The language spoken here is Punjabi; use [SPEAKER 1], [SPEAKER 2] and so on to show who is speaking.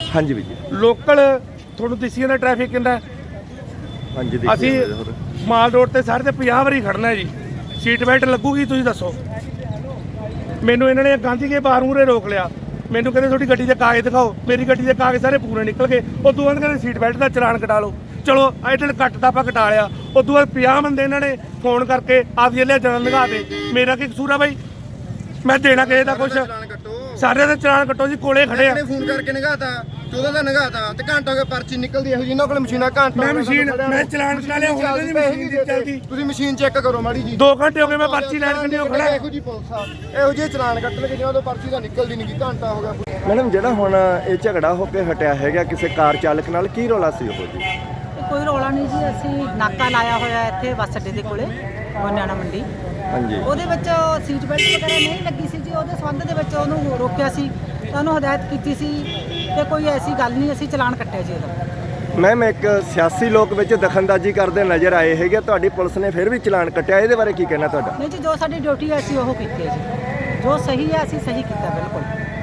[SPEAKER 1] हाँ जी भैया।
[SPEAKER 2] ਲੋਕਲ ਤੁਹਾਨੂੰ ਦਿਸੀ ਜਾਂਦਾ ਟ੍ਰੈਫਿਕ ਕਿੰਨਾ।
[SPEAKER 1] हाँ जी
[SPEAKER 2] ਅਸੀਂ ਮਾਲ ਰੋਡ ਤੇ ਸਾਰੇ ਤੇ 50 ਵਾਰੀ ਖੜਨਾ ਜੀ। ਸੀਟ ਬੈਲਟ ਲੱਗੂਗੀ ਤੁਸੀਂ ਦੱਸੋ। ਮੈਨੂੰ ਇਹਨਾਂ ਨੇ ਗਾਂਧੀ ਕੇ ਬਾਹਰ ਮੂਹਰੇ ਰੋਕ ਲਿਆ। ਮੈਨੂੰ ਕਹਿੰਦੇ ਤੁਹਾਡੀ ਗੱਡੀ ਦੇ ਕਾਗਜ਼ ਦਿਖਾਓ। ਮੇਰੀ ਗੱਡੀ ਦੇ ਕਾਗਜ਼ ਸਾਰੇ ਪੂਰੇ ਨਿਕਲ ਗਏ। ਉਦੋਂ ਬਾਅਦ ਕਹਿੰਦੇ ਸੀਟ ਬੈਲਟ ਦਾ ਚਲਾਨ ਕਟਾ ਲਓ। ਚਲੋ ਇਹਦੇ ਕੱਟਦਾ ਆਪਾਂ ਕਟਾ ਲਿਆ। ਉਦੋਂ ਬਾਅਦ 50 ਬੰਦੇ ਇਹਨਾਂ ਨੇ ਫੋਨ ਕਰਕੇ ਆਪਦੀ ਲੈ ਜਨਨ ਲਗਾ ਦੇ। ਮੇਰਾ ਕੀ ਕਸੂਰ ਆ ਬਾਈ? ਮੈਂ ਦੇਣਾ ਕਿਸੇ ਦਾ ਕੁਛ। ਸਾਰੇ ਦੇ ਚਲਾਨ ਕੱਟੋ ਜੀ, ਕੋਲੇ ਖੜੇ ਆ।
[SPEAKER 3] ਫੋਨ ਕਰਕੇ ਨਗਾਤਾ 14 ਦਾ ਨਗਾਤਾ ਤੇ ਘੰਟਾ ਹੋ ਗਿਆ ਪਰਚੀ ਨਿਕਲਦੀ ਇਹੋ ਜਿਹੀ ਇਹਨਾਂ ਕੋਲ ਮਸ਼ੀਨਾਂ ਘੰਟਾ
[SPEAKER 2] ਮੈਂ ਮਸ਼ੀਨ ਮੈਂ ਚਲਾਨ ਕਟਾ ਲਿਆ। ਹੁਣ ਨਹੀਂ ਮਸ਼ੀਨ ਦੀ ਚੱਲਦੀ।
[SPEAKER 3] ਤੁਸੀਂ ਮਸ਼ੀਨ ਚੈੱਕ ਕਰੋ ਮਾੜੀ ਜੀ।
[SPEAKER 2] 2 ਘੰਟੇ ਹੋ ਗਏ ਮੈਂ ਪਰਚੀ ਲੈਣ ਕੰਨੀ ਖੜਾ।
[SPEAKER 3] ਇਹੋ ਜਿਹੀ ਪੁਲਿਸ ਆ, ਇਹੋ ਜਿਹੇ ਚਲਾਨ ਕੱਟ ਲਗੇ ਜਿਨ੍ਹਾਂ ਤੋਂ ਪਰਚੀ ਤਾਂ ਨਿਕਲਦੀ ਨਹੀਂ। ਘੰਟਾ ਹੋ ਗਿਆ।
[SPEAKER 1] मैडम ਜਿਹੜਾ ਹੁਣ ਇਹ ਝਗੜਾ ਹੋ ਕੇ ਹਟਿਆ ਹੈਗਾ ਕਿਸੇ ਕਾਰ ਚਾਲਕ ਨਾਲ, ਕੀ ਰੌਲਾ ਸੀ ਉਹ ਜੀ?
[SPEAKER 4] ਕੋਈ ਰੌਲਾ ਨਹੀਂ ਜੀ। ਅਸੀਂ ਨਾਕਾ ਲਾਇਆ ਹੋਇਆ ਇੱਥੇ ਬੱਸ ਅੱਡੇ ਦੇ ਕੋਲੇ ਗੋਨਿਆਣਾ ਮੰਡੀ।
[SPEAKER 1] ਹਾਂਜੀ।
[SPEAKER 4] ਉਹਦੇ ਵਿੱਚ ਸੀਟ ਬੈਲਟ ਵਗੈਰਾ ਨਹੀਂ ਲੱਗੀ ਸੀ ਜੀ। ਉਹਦੇ ਸੰਬੰਧ ਦੇ ਵਿੱਚ ਉਹਨੂੰ ਰੋਕਿਆ ਸੀ ਤੇ ਉਹਨੂੰ ਹਦਾਇਤ ਕੀਤੀ ਸੀ ਕਿ ਕੋਈ ਐਸੀ ਗੱਲ ਨਹੀਂ, ਅਸੀਂ ਚਲਾਨ ਕੱਟਿਆ ਜੀ ਇਹਦਾ।
[SPEAKER 1] ਮੈਮ ਇੱਕ ਸਿਆਸੀ ਲੋਕ ਵਿੱਚ ਦਖਲਅੰਦਾਜ਼ੀ ਕਰਦੇ ਨਜ਼ਰ ਆਏ ਹੈਗੇ, ਤੁਹਾਡੀ ਪੁਲਿਸ ਨੇ ਫਿਰ ਵੀ ਚਲਾਨ ਕੱਟਿਆ, ਇਹਦੇ ਬਾਰੇ ਕੀ ਕਹਿਣਾ ਤੁਹਾਡਾ?
[SPEAKER 4] ਨਹੀਂ ਜੀ, ਜੋ ਸਾਡੀ ਡਿਊਟੀ ਹੈ ਅਸੀਂ ਉਹ ਕੀਤੀ ਹੈ ਜੀ। ਜੋ ਸਹੀ ਹੈ ਅਸੀਂ ਸਹੀ ਕੀਤਾ ਬਿਲਕੁਲ।